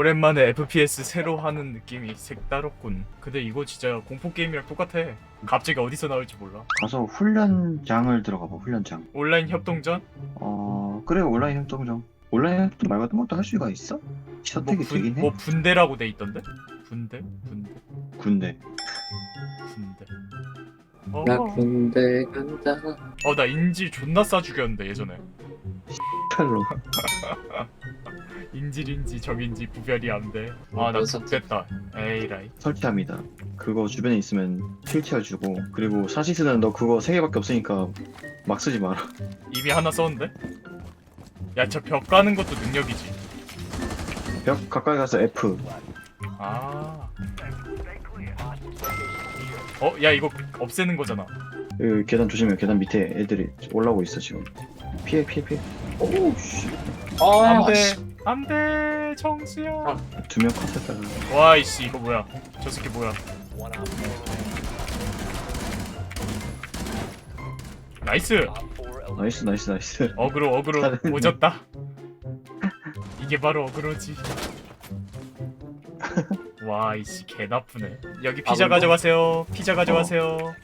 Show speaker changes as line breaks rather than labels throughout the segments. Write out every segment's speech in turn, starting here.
오랜만에 FPS 새로 하는 느낌이 색다르군. 근데 이거 진짜 공포 게임이랑 똑같아. 갑자기 어디서 나올지 몰라.
가서 훈련장을 들어가봐. 훈련장.
온라인 협동전?
그래. 온라인 협동장. 온라인 협동 말 같은 것도 할 수가 있어? 선택이 되긴 해.
뭐 분대라고 돼 있던데? 분대?
군대.
나
어,
군대 간다.
나 인질 존나 싸 죽였는데 예전에.
칼로.
인질인지 적인지 구별이 안 돼. 나
그래서
X됐다. 에이라이.
설치합니다. 그거 주변에 있으면 킬치해주고, 그리고 사시스는 너 그거 3개밖에 없으니까 막 쓰지 마라.
이미 하나 썼는데? 야, 저 벽 가는 것도 능력이지.
벽 가까이 가서 F.
야, 이거 없애는 거잖아.
그 계단 조심해. 계단 밑에 애들이 올라오고 있어 지금. 피해. 오우 씨.
안 돼, 정수야.
2명 컷했다가.
와, 이씨, 이거 뭐야? 저 새끼 뭐야? 나이스.
나이스.
어그로
잘했네.
오졌다. 이게 바로 어그로지. 와, 이씨 개 나쁘네. 여기 피자 가져가세요. 피자 가져가세요.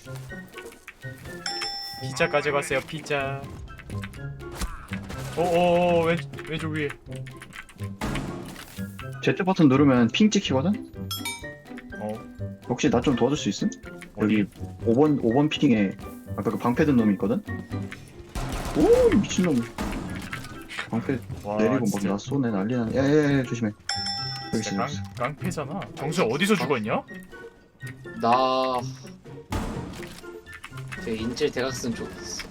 피자 가져가세요. 피자. 오오오, 왼쪽 위에.
Z 버튼 누르면 핑 찍히거든?
어,
혹시 나 좀 도와줄 수 있음?
어디?
여기 5번 핑에 아까 그 방패 든 놈이 있거든? 오 미친놈. 방패
와,
내리고 막
진짜.
나 쏘네. 난리나네. 야야야 조심해. 여기
진짜
있어.
깡패잖아. 정수 어디서 죽었냐?
나. 그 인질 대각선 쪽 있어.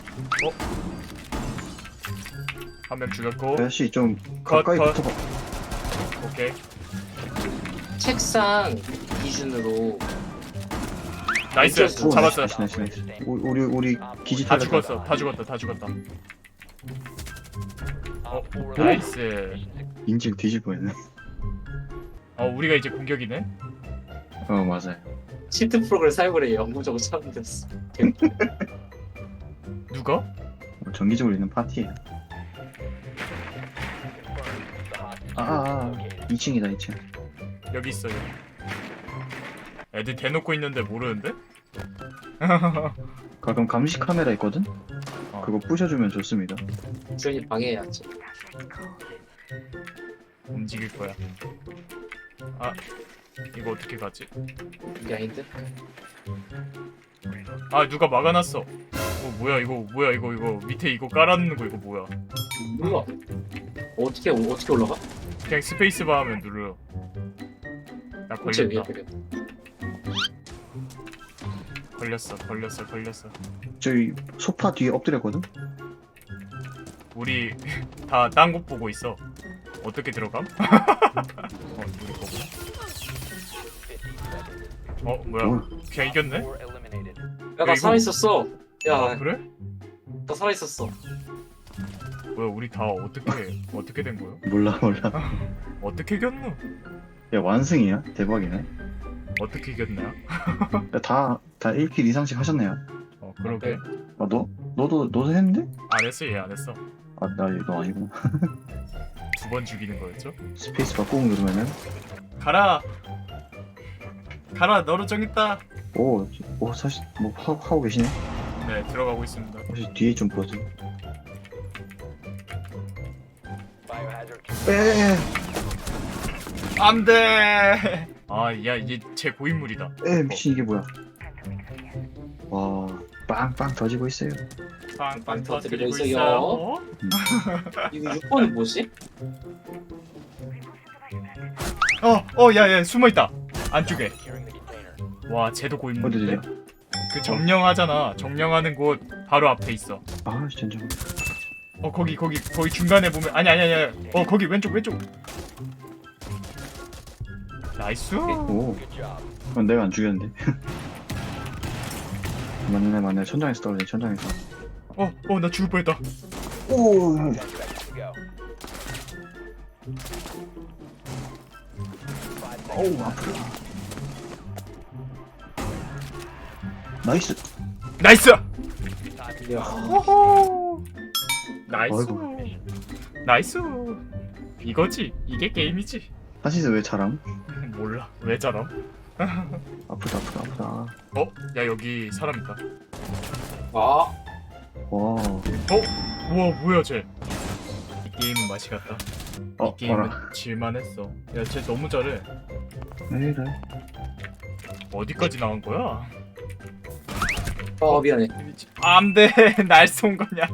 한 명 죽였고.
아저씨 좀
컷,
가까이
컷.
붙어봐.
오케이.
책상 기준으로
나이스.
오,
잡았어.
나이스. 우리 기지
다
탈렸다.
죽었어. 다 죽었다. 나이스.
인질 뒤질 뻔했네.
우리가 이제 공격이네.
맞아요.
시트 프로그램 사용을 해 영구적으로 처음 됐어.
누가?
정기적으로 있는 파티에. 2층이다 2층.
여기 있어요. 애들 대놓고 있는데 모르는데?
가끔 감시 카메라 있거든?
어.
그거 부셔주면 좋습니다.
주연이 방해해야지.
움직일 거야. 이거 어떻게 가지?
이게 아닌데?
누가 막아놨어. 뭐야 이거 밑에 이거 깔아놓는 거 이거 뭐야?
몰라. 어떻게 올라가?
그냥 스페이스바 하면 눌러요. 나
대체 왜
걸렸다.
그래?
걸렸어.
저기 소파 뒤에 엎드렸거든?
우리 다 딴 곳 보고 있어. 어떻게 들어감? 우리 거구나. 뭐야? 그냥 이겼네?
야, 나
이거-
살아있었어. 야,
그래?
나 살아있었어.
뭐야 우리 다 어떻게 된 거야?
몰라.
어떻게 이겼노?
야 완승이야? 대박이네.
어떻게 이겼냐?
야, 다 1킬 이상씩 하셨네요.
그러게.
너도 했는데?
안 했어. 얘 안 했어.
너 아니구나.
2번 죽이는 거였죠?
스페이스바 꾹 누르면은
가라. 너로 정했다.
사실 뭐 하고 계시네?
네, 들어가고 있습니다.
혹시 뒤에 좀 보죠. 에
안 돼. 야, 얘 제 고인물이다.
미친 이게 뭐야? 와 빵빵 터지고 있어요.
빵빵
터뜨리고
터뜨리고
있어요.
있어요.
이거 6번은 뭐지?
야, 숨어 있다. 안쪽에. 와, 쟤도 고인물인데.
어디지?
그 점령하잖아. 점령하는 곳 바로 앞에 있어.
진짜.
거기 중간에 보면 아니야. 거기 왼쪽. 나이스.
그건 내가 안 죽였는데. 맞네. 천장에서 떨어져. 천장에서.
나 죽을 뻔했다.
아프다. 나이스.
야,
호호. 나이스.
아이고.
나이스. 이거지. 이게 게임이지.
하시스 왜 자람?
몰라 왜 저럼?
아프다 아프다 아프다.
어? 야 여기 사람 있다.
아,
와.
우와 뭐야 쟤. 이 게임은 맛이 갔다. 이 게임은
봐라.
질만했어. 야 쟤 너무 잘해.
왜 이래?
어디까지 나온 거야?
미안해.
안돼 날 쏜 거냐?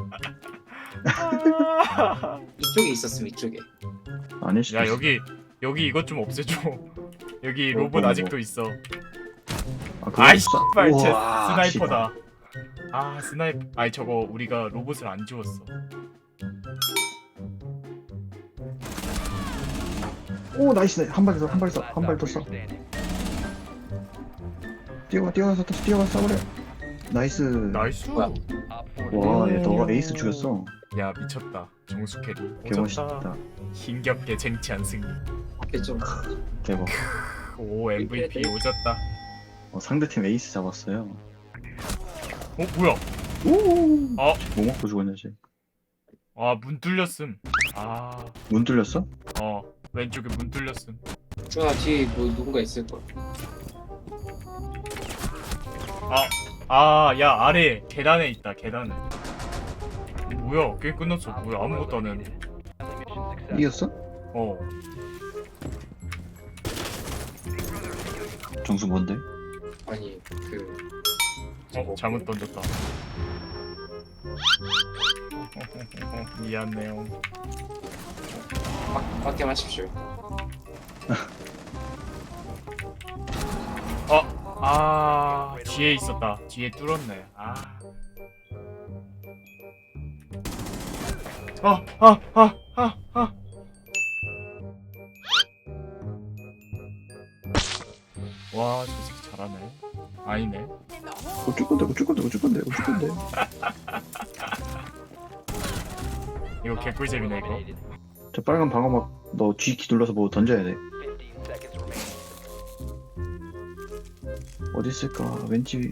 아.
이쪽에 있었음, 이쪽에.
아닐 수도
야
있어.
여기 이것 좀 없애줘. 여기 로봇
뭐.
아직도 있어.
아, 그거
아이
없어?
씨발 쟤
우와,
스나이퍼다. 아 스나이퍼. 아니 저거 우리가 로봇을 안 지웠어.
오 나이스 한 발 더 한 발 더 한 발 더 써. 뛰어가서 쏴버려. 나이스.
나이스.
뭐야?
와, 얘 너가 에이스 죽였어.
야 미쳤다. 정수 캐리.
개멋있다.
힘겹게 쟁취한 승리.
이렇게 좀.
대박.
오 MVP 오졌다.
상대팀 에이스 잡았어요.
어 뭐야?
오.
어?
뭐 먹고 죽었냐 쟤?
아 문 뚫렸음. 아
문 뚫렸어?
왼쪽에 문 뚫렸음.
준아, 뒤에 뭐 누군가 있을 거야.
야 아래 계단에 있다. 계단에. 뭐야? 게임 끝났어. 뭐야? 아무것도 안 했는데.
이겼어?
어.
정수 뭔데?
아니,
잘못 던졌다. 미안해요.
맞게 마십시오.
뒤에 있었다. 뒤에 뚫었네. 와, 저 새끼 잘하네. 아니네.
어쩔 건데.
이거 개꿀잼이네 이거.
저 빨간 방어막 너 G키 눌러서 뭐 던져야 돼. 어디 있을까? 왠지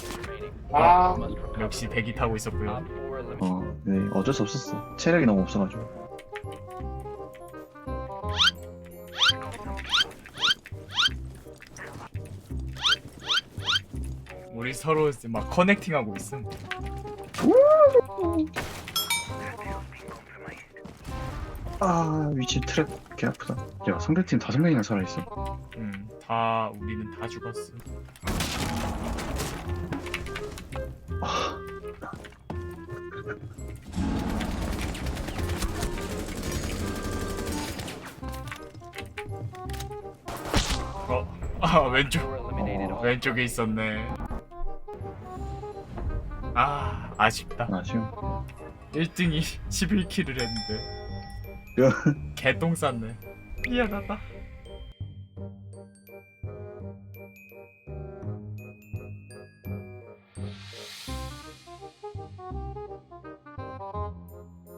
역시 대기 타고 있었고요.
네, 어쩔 수 없었어. 체력이 너무 없어가지고.
우리 서로 이제 막 커넥팅하고 있음.
위치 트랩 개 아프다. 야, 상대팀 5명이나 살아있어.
다 우리는 다 죽었어. 왼쪽에 있었네. 아쉽다.
아쉬워.
1등이 11킬을 했는데 개똥 쌌네. 미안하다.